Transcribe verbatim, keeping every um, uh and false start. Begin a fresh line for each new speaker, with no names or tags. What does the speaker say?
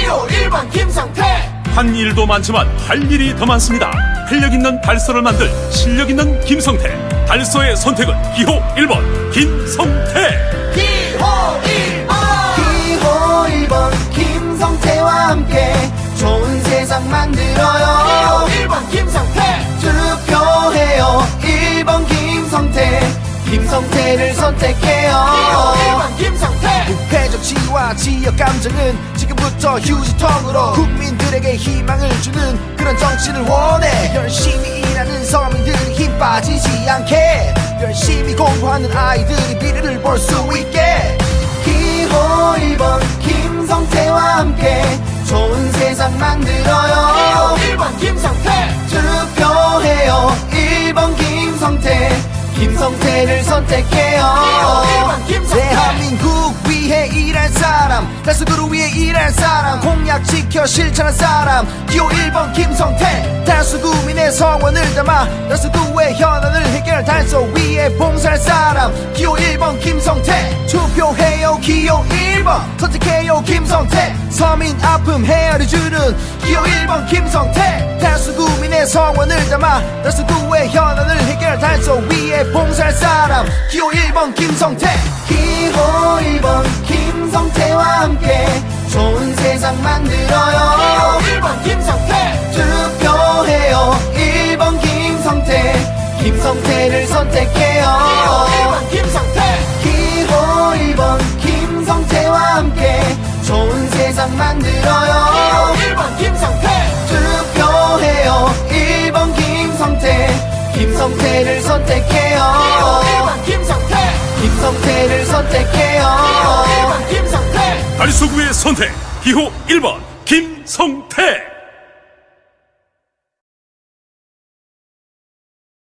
기호 일 번 김성태.
한 일도 많지만 할 일이 더 많습니다. 활력 있는 달서를 만들 실력 있는 김성태. 달서의 선택은 기호 일 번 김성태.
기호 일 번
기호 일 번 김성태와 함께 좋은 세상 만들어요.
기호 일 번 김성태.
투표해요. 일 번 김성태. 김성태를 선택해요.
기호 일 번 김성태.
부패 정치와 지역 감정은 지금부터 휴지통으로 국민들에게 희망을 주는 그런 정치를 원해. 열심히 일하는 서민들이 힘 빠지지 않게, 열심히 공부하는 아이들이 미래를 볼 수 있게. 기호 일 번 김성태와 함께 좋은 세상 만들어요.
기호 일 번 김성태.
투표해요. 일 번 김성태. 김성태를 선택해요.
기호 일 번 김성태.
대한민국 위해 일할 사람, 달서구를 위해 일할 사람, 공약 지켜 실천할 사람. 기호 일 번 김성태. 달서구민의 성원을 담아 달서구의 현안을 해결, 달서 위에 봉사할 사람. 기호 일 번 김성태. 투표해요. 기호 일 번 선택해요. 김성태. 서민 아픔 헤아려주는 기호 일 번 김성태. 달서구민의 성원을 담아 달서구의 현안을 해결, 달서 위에 봉사할 사람. 기호 일 번 김성태. 기호 일 번 김성태와 함께 좋은 세상 만들어요.
기호 일 번 김성태.
투표해요. 일 번 김성태. 김성태를 선택해요.
기호 일 번 김성태.
기호 일 번 김성태와 함께 좋은 세상 만들어요.
기호 일 번 김성태.
투표해요. 일 번 김성태. 김성태를 선택해요.
기호 일 번 김성태.
김성태를 선택해요.
기호 일 번 김성태.
달서구의 선택 기호 일 번 김성태.